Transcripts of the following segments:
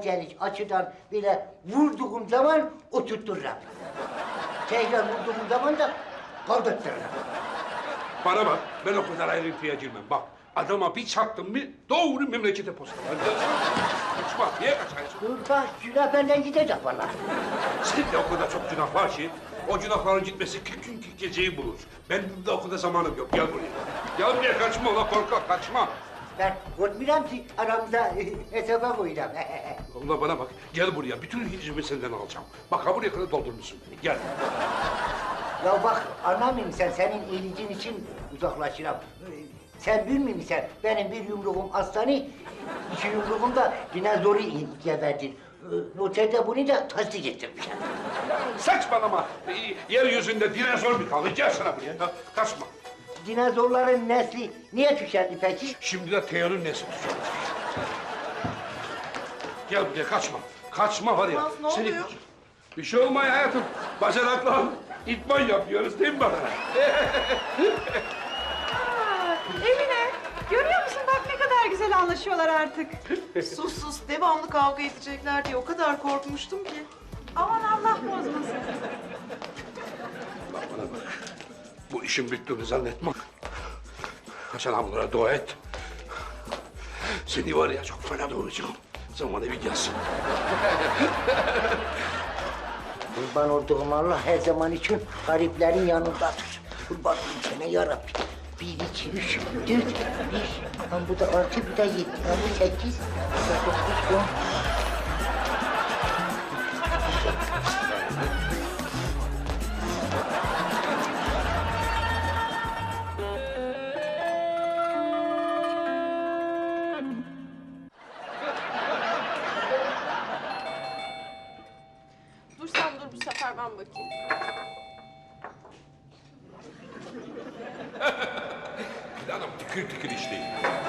beceriş açıdan böyle vurduğum zaman oturttururum. Tekrar vurduğum zaman da kaldırttururum. Bana bak, ben o kadar ayrıntıya girmem. Bak, adama bir çaktım mı doğru memlekete postalar. Kaçma, niye kaçarsın? Dur bak, günah benden gidecek vallahi. Senin de o kadar çok günah var ki, o günahların gitmesi 40 gün 40 geceyi bulur. Benim de o kadar zamanım yok, gel buraya. Gel buraya, kaçma ulan korkak, kaçma. Ben korkmuyorum ki aramıza hesaba koyacağım. Ulan bana bak, gel buraya, bütün hicimi senden alacağım. Bak ha buraya kadar doldurmuşsun beni, gel. Ya bak, anlamıyorum sen, senin iyiliğin için uzaklaşırım. Sen bilmiyor musun sen, benim bir yumruğum aslanı, iki yumruğum da dinozoru geberdin. Noterde bunu da tasdik ettirmiş. Saçmalama, yeryüzünde dinozor mu kaldı? Gel sana buraya, kaçma. Dinozorların nesli niye tükendi peki? Şimdi de Teo'nun nesli tükenecek. Gel buraya, kaçma. Kaçma var ya. Olmaz, ne oluyor? Bir şey olmuyor hayatım. Bacanakla idman yapıyoruz değil mi bana? Emine, görüyor musun bak ne kadar güzel anlaşıyorlar artık. Sus sus, devamlı kavga edecekler diye o kadar korkmuştum ki. Aman Allah bozmasın. Bak bana bak. Bu işin bittiğini zannetme. Hasan ablalara dua et. Seni var ya çok fena doğuracağım. Zamanı bir gelsin. Kurban olduğum Allah her zaman için gariplerin yanındadır. Kurban olayım sana yarabbim. 1, 2, 3, 4, 5. Lan bu da 6, bu da 7, lan bu 8, bu da 9, 10. Dur sen dur, bu sefer ben bakayım. Planım tıkır tıkır işleyin.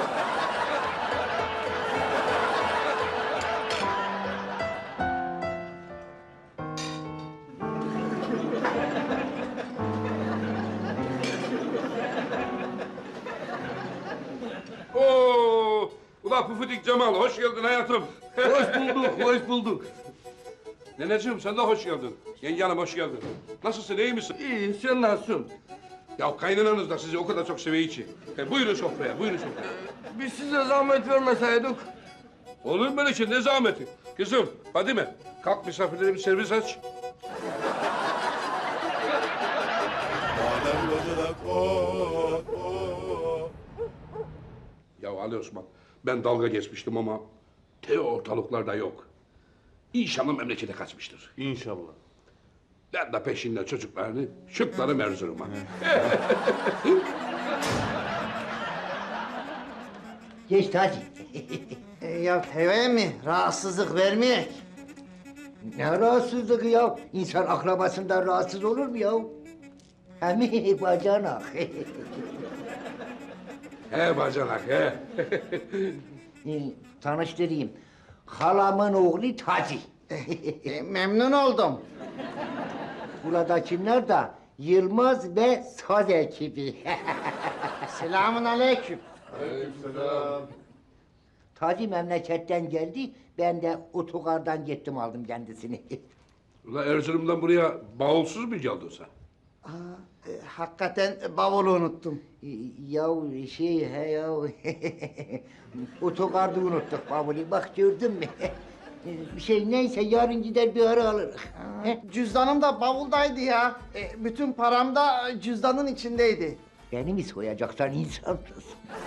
Oo, ulan Pufidik Cemal, hoş geldin hayatım. Hoş bulduk, hoş bulduk. Neneciğim sen de hoş geldin. Yenge hanım hoş geldin. Nasılsın, iyi misin? İyi, sen nasılsın? Ya kaynananız da sizi o kadar çok seviyor ki. Buyurun sofraya, buyurun sofraya. Biz size zahmet vermeseydik. Olur mu böyle şey, ne zahmeti? Kızım, Fadime, kalk misafirlere bir servis aç. Ya Ali Osman, ben dalga geçmiştim ama Teo ortalıklarda yok. İnşallah memlekete kaçmıştır. İnşallah. Ben de peşinden çocuklarını şıklarım Erzurum'a. Geç Taci. Ya Tevye mi? Rahatsızlık vermeyek. Ne rahatsızlığı ya? İnsan akrabasından rahatsız olur mu ya? Hem bacanak. He bacanak he. Tanıştırayım. Halamın oğlu Taci. Memnun oldum. Buradakiler de Yılmaz ve Saz ekibi. Selamun aleyküm. Taci memleketten geldi, ben de otogardan gittim aldım kendisini. Ulan Erzurum'dan buraya bavulsuz mu geldin sen? Hakikaten bavulu unuttum. Ya he ya, otogarda unuttuk bavulu, bak gördün mü? Neyse yarın gider bir ara alırız. He? Cüzdanım da bavuldaydı ya. Bütün param da cüzdanın içindeydi. Beni mi soyacaksan insansız?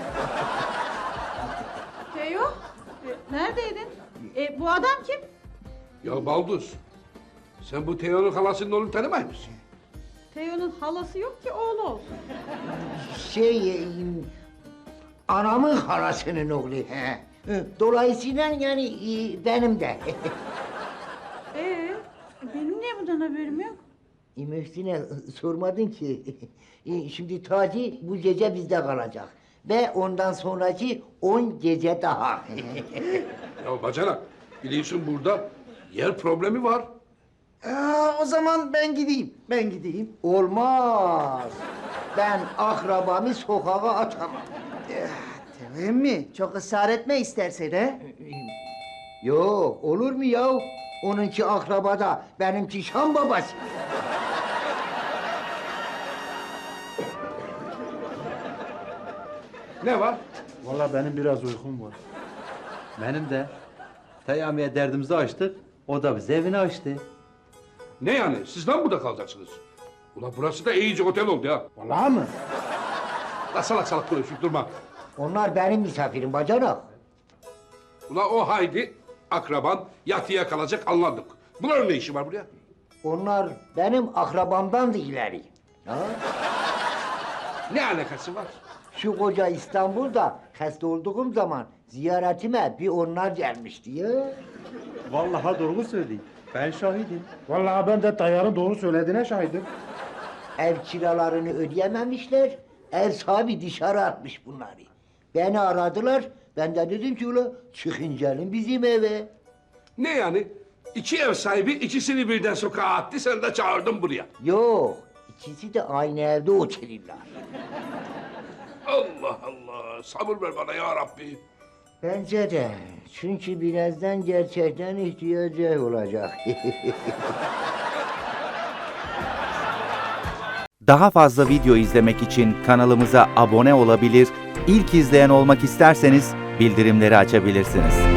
Teo, neredeydin? Bu adam kim? Ya Balduz, sen bu Teo'nun halasının oğlunu tanımay mısın? Teo'nun halası yok ki oğlu olsun. Anamın halasının oğlu. He. Dolayısıyla yani benim de. Benim niye bundan haberim yok? Mühsin'e sormadın ki. Şimdi Taci bu gece bizde kalacak. Ve ondan sonraki 10 gece daha. Ya bacanak, biliyorsun burada yer problemi var. O zaman ben gideyim. Olmaz. Ben akrabamı sokağa atamam. Tevye mi? Çok ısrar etme istersen he. Yok, olur mu ya? Onunki akrabada, benimki Şam babası. Ne var? Vallahi benim biraz uykum var. Benim de. Teyamiye derdimizi açtık. O da bize evini açtı. Ne yani? Siz lan burada kalacaksınız? Ulan burası da iyice otel oldu ya. Vallahi mı? La salak salak konuşup durma. Onlar benim misafirim bacanak. Ulan o Haydi akraban yatıya kalacak anladık. Bunların ne işi var buraya? Onlar benim akrabamdan da ileri. Ha? Ne alakası var? Şu koca İstanbul'da hasta olduğum zaman ziyaretime bir onlar gelmişti ya. Vallahi doğru söyleyeyim. Ben şahidim. Vallahi ben de Tayyar'ın doğru söylediğine şahidim. Ev kiralarını ödeyememişler, ev sahibi dışarı atmış bunları. Beni aradılar, ben de dedim ki ula çıkın gelin bizim eve. Ne yani? İki ev sahibi ikisini birden sokağa attı, sen de çağırdın buraya. Yok, ikisi de aynı evde otururlar. Allah Allah, sabır ver bana ya Rabbi. Bence de, çünkü birazdan gerçekten ihtiyacı olacak. Daha fazla video izlemek için kanalımıza abone olabilir, ilk izleyen olmak isterseniz bildirimleri açabilirsiniz.